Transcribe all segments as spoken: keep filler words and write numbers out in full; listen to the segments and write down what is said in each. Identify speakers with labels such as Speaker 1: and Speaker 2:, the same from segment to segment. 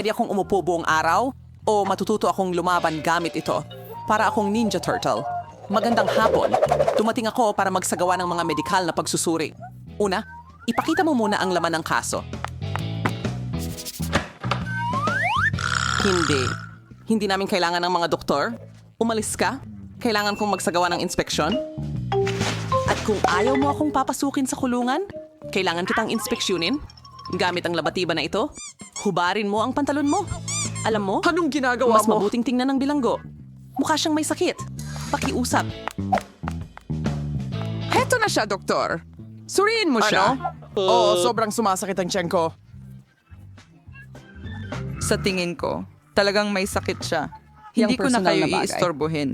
Speaker 1: Pwede akong umupo buong araw o matututo akong lumaban gamit ito para akong Ninja Turtle. Magandang hapon. Dumating ako para magsagawa ng mga medikal na pagsusuri. Una, ipakita mo muna ang laman ng kaso. Hindi. Hindi namin kailangan ng mga doktor. Umalis ka. Kailangan kong magsagawa ng inspeksyon. At kung ayaw mo akong papasukin sa kulungan, kailangan kitang inspeksyonin. Gamit ang labatiba na ito, hubarin mo ang pantalon mo. Alam mo,
Speaker 2: Anong ginagawa
Speaker 1: mas
Speaker 2: mo?
Speaker 1: mabuting tingnan ng bilanggo. Mukha siyang may sakit. Pakiusap.
Speaker 2: Heto na siya, doktor. Suriin mo siya. Oo, sobrang sumasakit ang tiyan ko.
Speaker 3: Sa tingin ko, talagang may sakit siya.
Speaker 1: Yang
Speaker 3: Hindi ko na
Speaker 1: personal
Speaker 3: kayo
Speaker 1: na bagay.
Speaker 3: iistorbohin.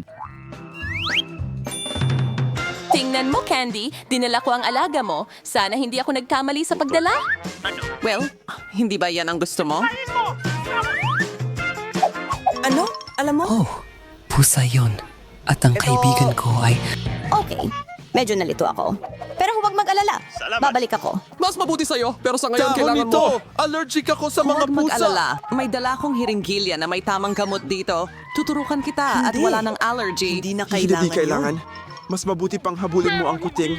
Speaker 4: Tingnan mo, Candy. Dinala ko ang alaga mo. Sana hindi ako nagkamali sa pagdala.
Speaker 1: Well, hindi ba yan ang gusto mo?
Speaker 5: Ano? Alam mo?
Speaker 6: Oh, pusa yon. At ang kaibigan ko ay...
Speaker 5: Okay. Medyo nalito ako. Pero huwag mag-alala. Babalik ako.
Speaker 2: Mas mabuti sa'yo, pero sa ngayon
Speaker 7: Dahon
Speaker 2: kailangan
Speaker 7: nito!
Speaker 2: mo. Allergic ako sa mga
Speaker 1: Huwag
Speaker 2: pusa.
Speaker 1: mag-alala. May dala akong hiringgilya na may tamang gamot dito. Tuturukan kita at
Speaker 5: Hindi.
Speaker 1: wala ng allergy.
Speaker 5: Hindi na
Speaker 7: Hindi
Speaker 5: kailangan,
Speaker 7: kailangan. Mas mabuti pang habulin mo ang kuting.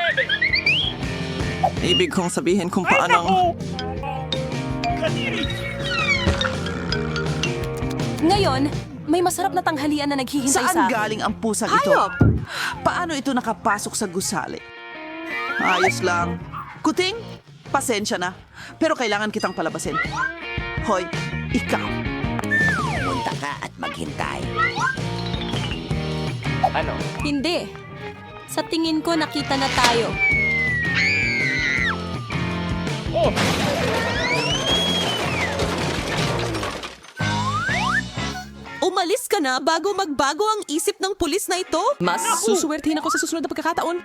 Speaker 1: Ibig kong sabihin kung paano...
Speaker 4: Ngayon, may masarap na tanghalian na naghihintay sa
Speaker 8: Saan
Speaker 4: akin.
Speaker 8: galing ang pusang ito?
Speaker 1: Hayop!
Speaker 8: Paano ito nakapasok sa gusali? Ayos lang. Kuting, pasensya na. Pero kailangan kitang palabasin. Hoy, ikaw.
Speaker 5: Punta ka at maghintay.
Speaker 4: Hindi. Sa tingin ko, nakita na tayo.
Speaker 1: Umalis ka na bago magbago ang isip ng pulis na ito? Mas susuwertihin ako sa susunod na pagkakataon.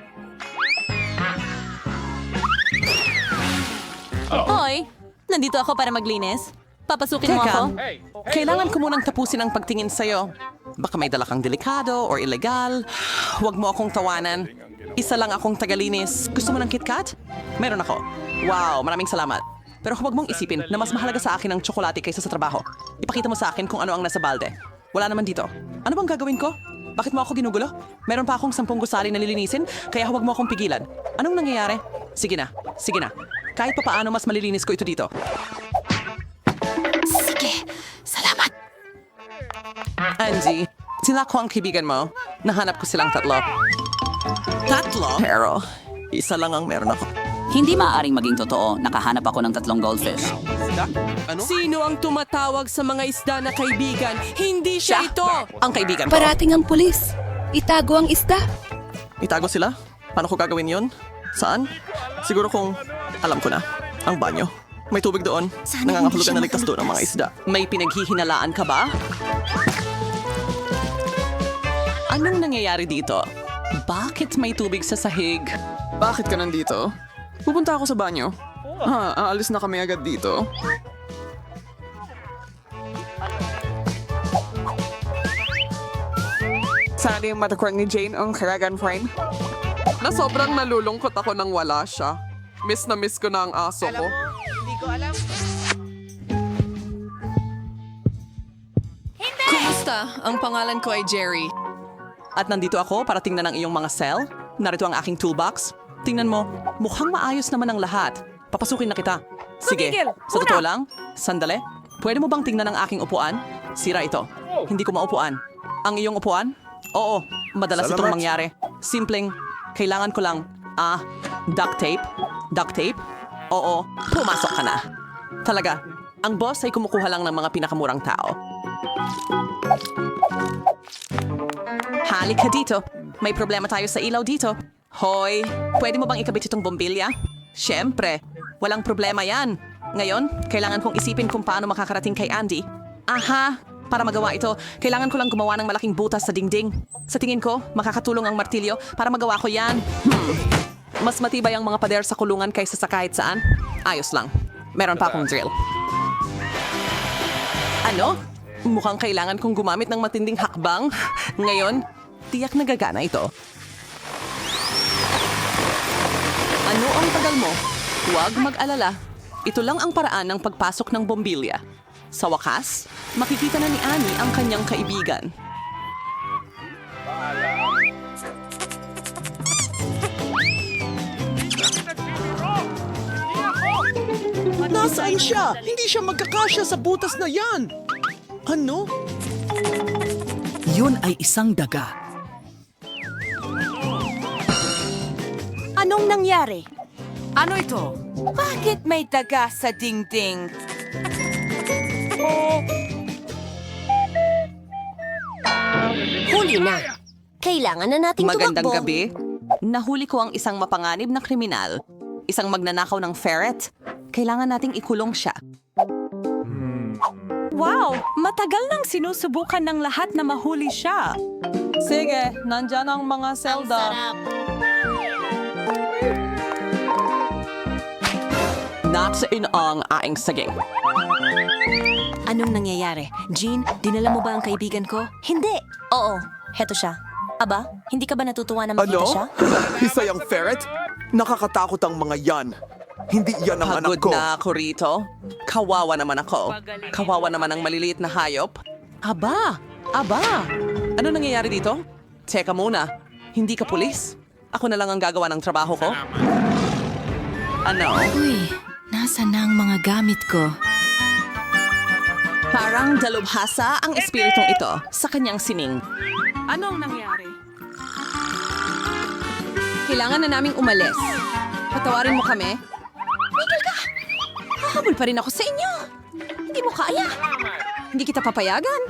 Speaker 4: Hoy, nandito ako para maglinis. Papasukin mo
Speaker 1: Teka,
Speaker 4: ako?
Speaker 1: kailangan ko munang tapusin ang pagtingin sa'yo. Baka may dala kang delikado or illegal. Huwag mo akong tawanan. Isa lang akong tagalinis. Gusto mo ng KitKat? Meron ako. Wow, maraming salamat. Pero huwag mong isipin na mas mahalaga sa akin ang tsokolate kaysa sa trabaho. Ipakita mo sa akin kung ano ang nasa balde. Wala naman dito. Ano bang gagawin ko? Bakit mo ako ginugulo? Meron pa akong sampung gusali na lilinisin, kaya huwag mo akong pigilan. Anong nangyayari? Sige na, sige na. Kahit pa paano mas malilinis ko ito dito.
Speaker 4: Sige, salamat.
Speaker 1: Angie, sila ko ang kaibigan mo. Nahanap ko silang tatlo. Tatlo? Pero, isa lang ang meron ako.
Speaker 9: Hindi maaaring maging totoo. Nakahanap ako ng tatlong goldfish.
Speaker 2: Sino ang tumatawag sa mga isda na kaibigan? Hindi siya, ito!
Speaker 1: Ang kaibigan ko.
Speaker 10: Parating ang pulis. Itago ang isda.
Speaker 1: Itago sila? Paano ko gagawin yon? Saan? Siguro kung alam ko na. Ang banyo. May tubig doon.
Speaker 5: Sana
Speaker 1: Nangangahulugan
Speaker 5: hindi
Speaker 1: na
Speaker 5: siya
Speaker 1: ligtas doon ang mga isda. May pinaghihinalaan ka ba? Anong nangyayari dito? Bakit may tubig sa sahig?
Speaker 2: Bakit ka nandito? Pupunta ako sa banyo. Ha, aalis na kami agad dito. Sana yung matakwang ni Jane ang karagan friend. Na sobrang nalulungkot ako nang wala siya. Miss na miss ko na ang aso ko.
Speaker 1: Kumusta? Ang pangalan ko ay Jerry. At nandito ako para tingnan ang iyong mga cell. Narito ang aking toolbox. Tingnan mo, mukhang maayos naman ang lahat. Papasukin na kita. Sige, sa totoo lang, sandali. Pwede mo bang tingnan ang aking upuan? Sira ito. Hindi ko maupuan. Ang iyong upuan? Oo, madalas
Speaker 7: Salamat.
Speaker 1: itong mangyari. Simpleng, kailangan ko lang, ah, duct tape? Duct tape? Oo, pumasok ka na. Talaga, ang boss ay kumukuha lang ng mga pinakamurang tao. Halika dito. May problema tayo sa ilaw dito. Hoy, pwede mo bang ikabit itong bombilya? Siyempre, walang problema yan. Ngayon, kailangan kong isipin kung paano makakarating kay Andy. Aha, para magawa ito, kailangan ko lang gumawa ng malaking butas sa dingding. Sa tingin ko, makakatulong ang martilyo para magawa ko yan. Hmm. Mas matibay ang mga pader sa kulungan kaysa sa kahit saan. Ayos lang. Meron pa akong drill. Ano? Mukhang kailangan kong gumamit ng matinding hakbang. Ngayon, tiyak na gagana ito. Ano ang tagal mo? Huwag mag-alala. Ito lang ang paraan ng pagpasok ng bombilya. Sa wakas, makikita na ni Annie ang kanyang kaibigan.
Speaker 7: Nasaan siya? Hindi siya magkakasya sa butas na yan! Ano?
Speaker 9: Yun ay isang daga.
Speaker 5: Anong nangyari?
Speaker 3: Ano ito?
Speaker 5: Bakit may daga sa dingding? Huli na. Kailangan na nating
Speaker 1: Magandang
Speaker 5: tumakbo.
Speaker 1: gabi. Nahuli ko ang isang mapanganib na kriminal. Isang magnanakaw ng ferret. Kailangan nating ikulong siya.
Speaker 4: Wow! Matagal nang sinusubukan ng lahat na mahuli siya.
Speaker 1: Sige, nandyan ang mga selda. Natsiin ang aing saging.
Speaker 5: Anong nangyayari? Jean, dinala mo ba ang kaibigan ko? Hindi. Oo, heto siya. Aba, hindi ka ba natutuwa na makita
Speaker 7: Ano?
Speaker 5: siya?
Speaker 7: Isa yung ferret? Nakakatakot ang mga yan. Hindi yan ang anak
Speaker 1: Pagod
Speaker 7: ko.
Speaker 1: na ako rito. Kawawa naman ako. Kawawa naman ang maliliit na hayop. Aba! Aba! Ano nangyayari dito? Teka muna. Hindi ka pulis? Ako na lang ang gagawa ng trabaho ko? Ano?
Speaker 10: Uy, nasa na ang mga gamit ko?
Speaker 1: Parang dalubhasa ang espiritong ito sa kanyang sining.
Speaker 4: Anong nangyari?
Speaker 3: Kailangan na naming umalis. Patawarin mo kami.
Speaker 4: Miguel ka! Hahabol pa rin ako sa inyo. Hindi mo kaya.
Speaker 3: Hindi kita papayagan.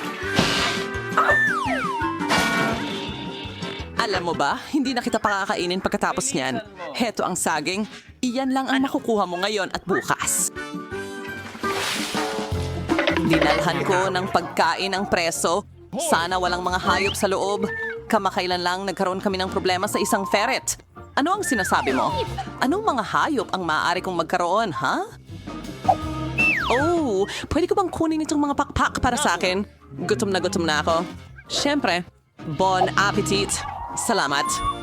Speaker 1: Alam mo ba, hindi na kita pakakainin pagkatapos niyan. Heto ang saging. Iyan lang ang makukuha mo ngayon at bukas. Dinalhan ko ng pagkain ang preso. Sana walang mga hayop sa loob. Kamakailan lang nagkaroon kami ng problema sa isang ferret. Ano ang sinasabi mo? Anong mga hayop ang maaari kong magkaroon, ha? Oh, pwede ko bang kunin itong mga pakpak para sa akin? Gutom na gutom na ako. Siyempre, bon appetit. Salamat.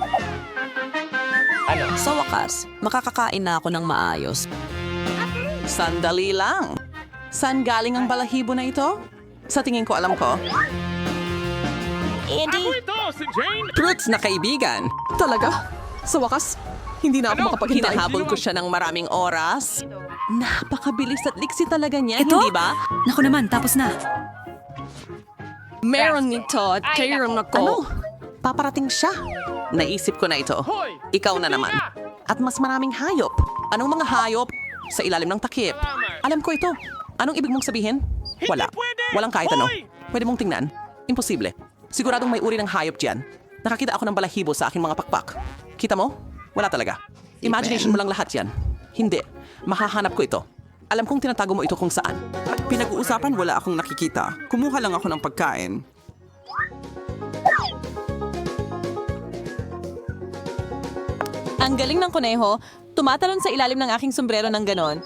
Speaker 11: Sa wakas, makakakain na ako ng maayos.
Speaker 1: Sandali lang. Saan galing ang balahibo na ito? Sa tingin ko alam ko.
Speaker 5: Andy,
Speaker 1: Fruits na kaibigan.
Speaker 2: Talaga? Sa wakas, hindi na ako makapaghintay.
Speaker 1: Hinahabol ko siya ng maraming oras. Napakabilis at liksi talaga niya,
Speaker 10: Ito?
Speaker 1: hindi ba?
Speaker 10: Naku naman, tapos na.
Speaker 2: Meron nito at kairon ako.
Speaker 1: Ano? Paparating siya. Naisip ko na ito. Ikaw na naman. At mas maraming hayop. Anong mga hayop? Sa ilalim ng takip. Alam ko ito. Anong ibig mong sabihin? Wala. Walang kahit ano. Pwede mong tingnan. Imposible. Siguradong may uri ng hayop diyan. Nakakita ako ng balahibo sa aking mga pakpak. Kita mo? Wala talaga. Imagination mo lang lahat yan. Hindi. Mahahanap ko ito. Alam kong tinatago mo ito kung saan.
Speaker 8: Pinag-uusapan wala akong nakikita. Kumuha lang ako ng pagkain.
Speaker 4: Ang galing ng kuneho, tumatalon sa ilalim ng aking sombrero ng ganon.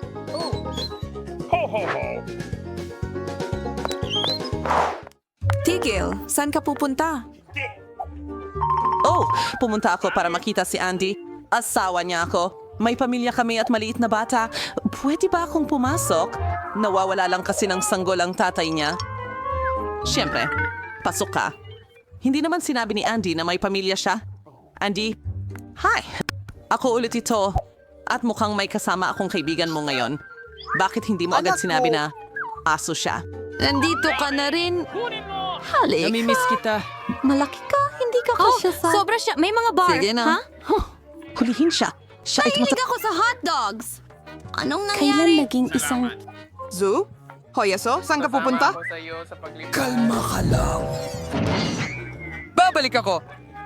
Speaker 3: Tigil, saan ka pupunta?
Speaker 1: Oh, pumunta ako para makita si Andy. Asawa niya ako. May pamilya kami at maliit na bata. Pwede ba akong pumasok? Nawawala lang kasi ng sanggol ang tatay niya. Siyempre, pasok ka. Hindi naman sinabi ni Andy na may pamilya siya. Andy, hi! Ako ulit ito. At mukhang may kasama akong kaibigan mo ngayon. Bakit hindi mo agad sinabi na aso siya?
Speaker 3: Nandito ka na rin.
Speaker 5: halik.
Speaker 3: Namimiss kita.
Speaker 5: Malaki ka, hindi ka kasya sa...
Speaker 4: Sobra siya. May mga bar.
Speaker 3: Sige na.
Speaker 4: Ha?
Speaker 1: Hulihin siya. Siya ay tumata-
Speaker 3: ako sa hotdogs.
Speaker 5: Anong
Speaker 4: Kailan
Speaker 5: nangyari?
Speaker 4: naging isang...
Speaker 2: Zoo? Hoyaso, saan ka pupunta?
Speaker 6: Kalma ka lang.
Speaker 3: Babalik ako.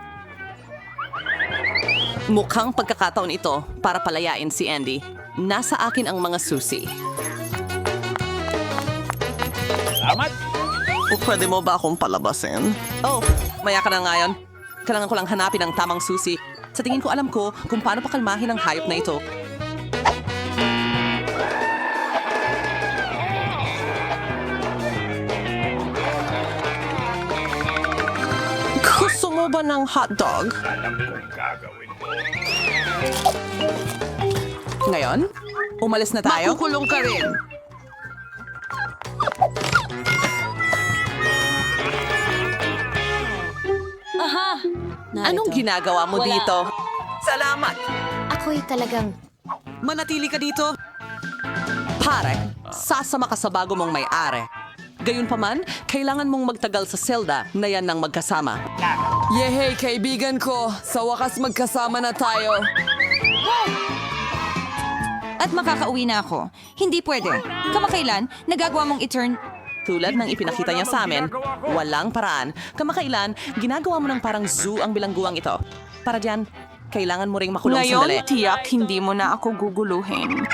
Speaker 1: Mukhang pagkakataon ito para palayain si Andy. Nasa akin ang mga susi. Salamat! O pwede mo ba akong palabasin? Oh, maya ka na ngayon. Kailangan ko lang hanapin ang tamang susi. Sa tingin ko alam ko kung paano pakalmahin ang hayop na ito. Gusto mo ba ng hotdog? Ngayon, umalis na tayo.
Speaker 2: Makukulong ka rin.
Speaker 1: Anong ginagawa mo dito?
Speaker 8: Salamat!
Speaker 5: Ako'y talagang...
Speaker 8: Manatili ka dito.
Speaker 1: Pare, sasama ka sa bago mong may-ari. Gayunpaman, kailangan mong magtagal sa selda na yan ng magkasama.
Speaker 2: Yehey, kaibigan ko! Sa wakas magkasama na tayo.
Speaker 3: At makakauwi na ako. Hindi pwede. Kamakailan, nagagawa mong i-turn...
Speaker 1: Tulad ng ipinakita niya sa amin, walang paraan. Kamakailan, ginagawa mo ng parang zoo ang bilangguang ito. Para diyan, kailangan mo ring makulong sandali.
Speaker 2: tiyak hindi mo na ako guguluhin.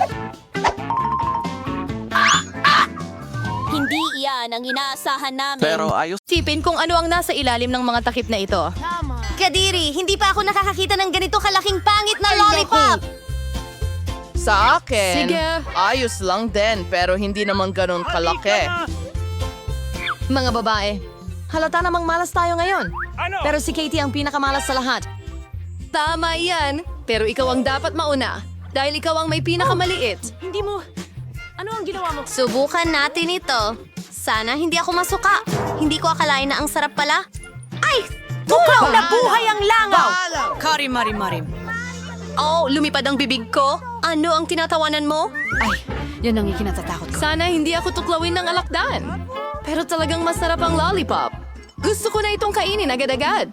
Speaker 5: Hindi iyan ang inaasahan namin.
Speaker 1: ayos.
Speaker 4: Tipin kung ano ang nasa ilalim ng mga takip na ito.
Speaker 5: Kadiri, hindi pa ako nakakakita ng ganito kalaking pangit na lollipop!
Speaker 12: Sa akin,
Speaker 4: Sige.
Speaker 12: ayos lang din pero hindi naman ganun kalaki.
Speaker 4: Mga babae, halata namang malas tayo ngayon. Pero si Katie ang pinakamalas sa lahat. Tama yan, pero ikaw ang dapat mauna. Dahil ikaw ang may pinakamaliit. Hindi mo... Ano ang ginawa mo?
Speaker 5: Subukan natin ito. Sana hindi ako masuka. Hindi ko akalain na ang sarap pala. Ay! Tuklaw na buhay ang langaw!
Speaker 10: Karim, marim, marim.
Speaker 4: Oh, lumipad ang bibig ko.
Speaker 5: Ano ang tinatawanan mo?
Speaker 3: Ay, yan ang ikinatatakot ko.
Speaker 4: Sana hindi ako tuklawin ng alakdan. Pero talagang masarap ang lollipop. Gusto ko na itong kainin agad-agad.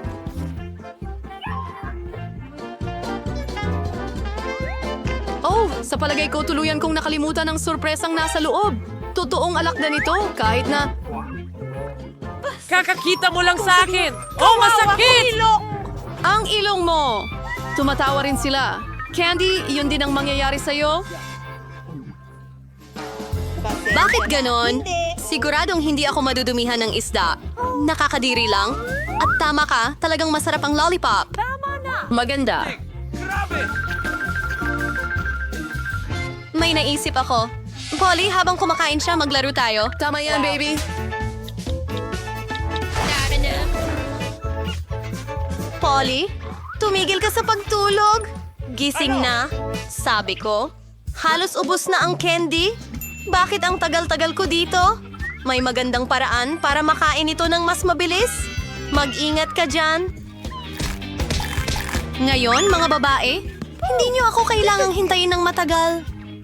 Speaker 4: Oh, sa palagay ko tuluyan kong nakalimutan ang sorpresang nasa loob. Totoong alakdan ito, kahit na...
Speaker 12: Kakakita mo lang sa akin! Oh, masakit!
Speaker 4: Ang ilong mo! Tumatawa rin sila. Candy, yun din ang mangyayari sa'yo?
Speaker 5: Bakit ganon? Siguradong hindi ako madudumihan ng isda. Nakakadiri lang. At tama ka, talagang masarap ang lollipop.
Speaker 4: Maganda.
Speaker 5: May naisip ako. Polly, habang kumakain siya, maglaro tayo.
Speaker 4: Tama yan, baby.
Speaker 5: Polly, tumigil ka sa pagtulog. Gising na, sabi ko. Halos ubos na ang candy. Bakit ang tagal-tagal ko dito? May magandang paraan para makain ito ng mas mabilis. Mag-ingat ka dyan. Ngayon, mga babae, hindi niyo ako kailangang hintayin ng matagal.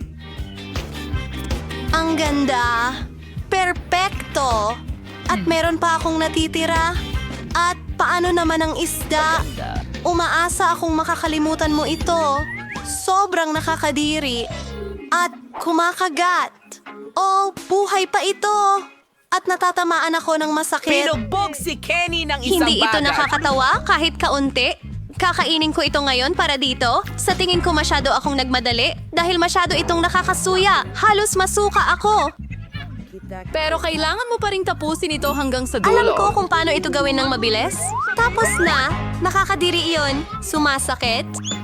Speaker 5: Ang ganda. Perpekto. At meron pa akong natitira. At paano naman ang isda? Umaasa akong makakalimutan mo ito. Sobrang nakakadiri. At kumakagat. Oh, buhay pa ito. At natatamaan ako ng masakit.
Speaker 12: Pinubog si Kenny ng isang
Speaker 5: Hindi ito
Speaker 12: bagay.
Speaker 5: nakakatawa kahit kaunti. Kakainin ko ito ngayon para dito. Sa tingin ko masyado akong nagmadali dahil masyado itong nakakasuya. Halos masuka ako.
Speaker 4: Pero kailangan mo pa ring tapusin ito hanggang sa dulo.
Speaker 5: Alam ko kung paano ito gawin ng mabilis. Tapos na, nakakadiri iyon. Sumasakit.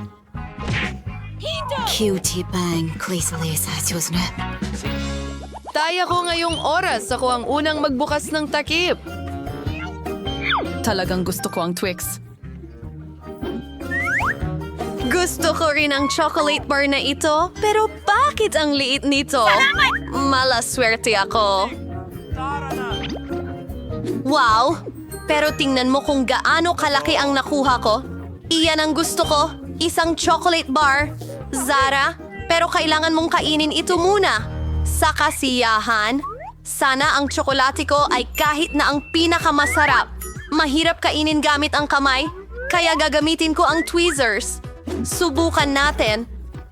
Speaker 10: Cutie bang, Claysley sa na.
Speaker 4: Taya ko ngayong oras. Ako ang unang magbukas ng takip. Talagang gusto ko ang Twix.
Speaker 5: Gusto ko rin ang chocolate bar na ito, pero bakit ang liit nito? Malaswerte ako. Wow! Pero tingnan mo kung gaano kalaki ang nakuha ko. Iyan ang gusto ko, isang chocolate bar. Zara, pero kailangan mong kainin ito muna. Sa kasiyahan, sana ang tsokolate ko ay kahit na ang pinakamasarap. Mahirap kainin gamit ang kamay, kaya gagamitin ko ang tweezers. Subukan natin.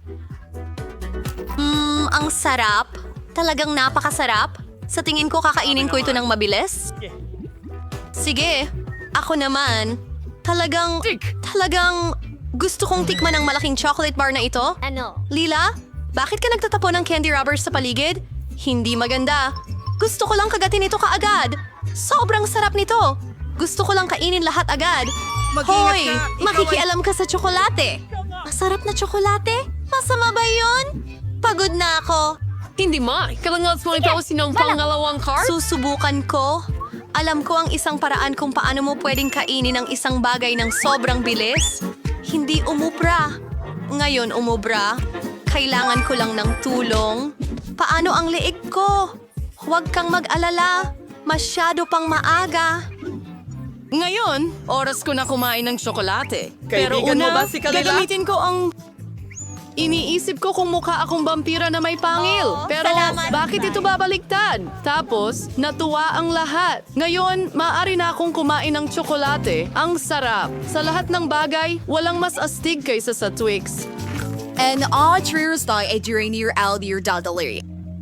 Speaker 5: Mmm, ang sarap. Talagang napakasarap. Sa tingin ko kakainin ko ito ng mabilis. Sige, ako naman. Talagang, talagang gusto kong tikman ang malaking chocolate bar na ito. Ano? Lila, bakit ka nagtatapon ng candy rubbers sa paligid? Hindi maganda. Gusto ko lang kagatin ito kaagad. Sobrang sarap nito. Gusto ko lang kainin lahat agad.
Speaker 8: Mag-ingat
Speaker 5: Hoy,
Speaker 8: ka. Ikaw
Speaker 5: makikialam ka sa tsokolate. Masarap na tsokolate? Masama ba yun? Pagod na ako.
Speaker 4: Hindi ma, kailangan mo itapusin ang pangalawang card?
Speaker 5: Susubukan ko. Alam ko ang isang paraan kung paano mo pwedeng kainin ang isang bagay ng sobrang bilis. Hindi umubra. Ngayon umubra. Kailangan ko lang ng tulong. Paano ang leeg ko? Huwag kang mag-alala. Masyado pang maaga.
Speaker 4: Ngayon, oras ko na kumain ng tsokolate. Pero
Speaker 8: Kaibigan mo
Speaker 4: una,
Speaker 8: ba si Kalila?
Speaker 4: gagamitin ko ang... Iniisip ko kung mukha akong vampira na may pangil.
Speaker 5: Oo,
Speaker 4: Pero
Speaker 5: salamat.
Speaker 4: bakit ito babaliktad? Tapos, natuwa ang lahat. Ngayon, maaari na akong kumain ng tsokolate. Ang sarap. Sa lahat ng bagay, walang mas astig kaysa sa Twix.
Speaker 10: En Audrey's die ay during your Aldir dadali.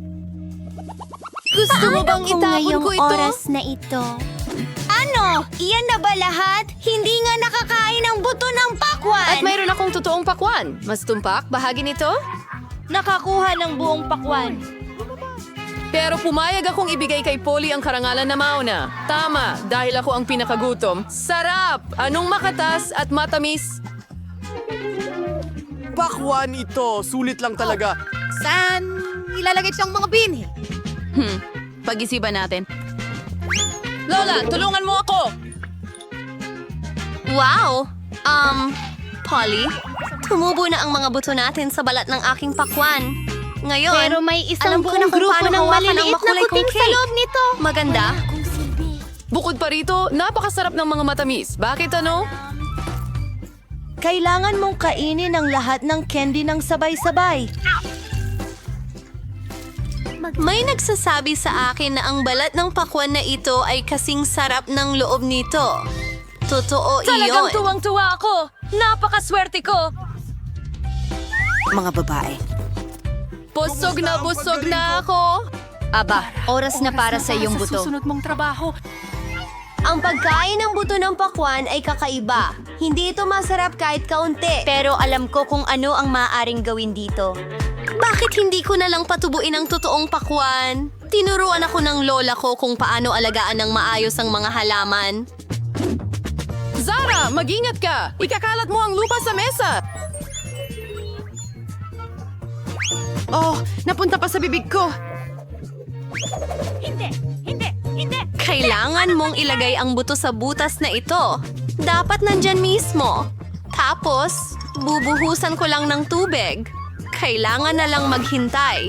Speaker 4: Gusto mo bang itapon ko ito?
Speaker 5: na ito? Ano? Iyan na ba lahat? Hindi nga nakakain ang buto ng pakwan!
Speaker 4: At mayroon akong totoong pakwan. Mas tumpak, bahagi nito?
Speaker 5: Nakakuha ng buong pakwan.
Speaker 4: Pero pumayag akong ibigay kay Polly ang karangalan na mauna. Tama, dahil ako ang pinakagutom. Sarap! Anong makatas at matamis?
Speaker 7: Pakwan ito. Sulit lang talaga.
Speaker 10: Saan ilalagay siyang mga binhi?
Speaker 11: Hmm, pag-isipan natin.
Speaker 4: Lola, tulungan mo ako!
Speaker 5: Wow! Um, Polly, tumubo na ang mga buto natin sa balat ng aking pakwan. Ngayon,
Speaker 13: Pero may isang
Speaker 5: alam ko
Speaker 13: buong
Speaker 5: na kung
Speaker 13: grupo
Speaker 5: paano
Speaker 13: ng
Speaker 5: hawakan ang
Speaker 13: maliliit na
Speaker 5: makulay kong
Speaker 13: kuting sa
Speaker 5: cake.
Speaker 13: loob nito.
Speaker 5: Maganda.
Speaker 4: Bukod pa rito, napakasarap ng mga matamis. Bakit ano?
Speaker 13: Kailangan mong kainin ang lahat ng candy ng sabay-sabay.
Speaker 5: May nagsasabi sa akin na ang balat ng pakwan na ito ay kasing sarap ng loob nito. Totoo
Speaker 4: Talagang
Speaker 5: iyon.
Speaker 4: tuwang-tuwa ako! Napakaswerte ko!
Speaker 11: Mga babae.
Speaker 4: Busog na busog na ako!
Speaker 13: Aba, oras na para sa iyong buto.
Speaker 4: mong trabaho.
Speaker 5: Ang pagkain ng buto ng pakwan ay kakaiba. Hindi ito masarap kahit kaunti. Pero alam ko kung ano ang maaaring gawin dito. Bakit hindi ko na lang patubuin ang totoong pakwan? Tinuruan ako ng lola ko kung paano alagaan ng maayos ang mga halaman.
Speaker 4: Zara, mag-ingat ka! Ikakalat mo ang lupa sa mesa!
Speaker 12: Oh, napunta pa sa bibig ko.
Speaker 5: Kailangan mong ilagay ang buto sa butas na ito. Dapat nandyan mismo. Tapos, bubuhusan ko lang ng tubig. Kailangan na lang maghintay.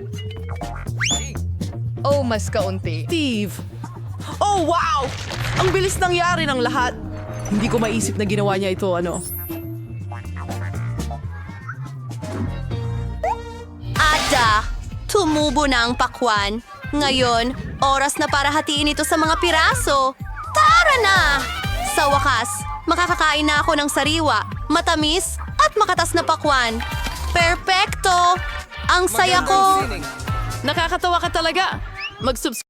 Speaker 12: Oh, mas kaunti.
Speaker 8: Steve! Oh, wow! Ang bilis nangyari ng lahat. Hindi ko maisip na ginawa niya ito, ano.
Speaker 5: Ada, tumubo na ang pakwan. Ngayon, oras na para hatiin ito sa mga piraso. Tara na! Sa wakas, makakakain na ako ng sariwa, matamis at makatas na pakwan. Perpekto! Ang saya ko!
Speaker 4: Nakakatawa ka talaga! Mag-subscribe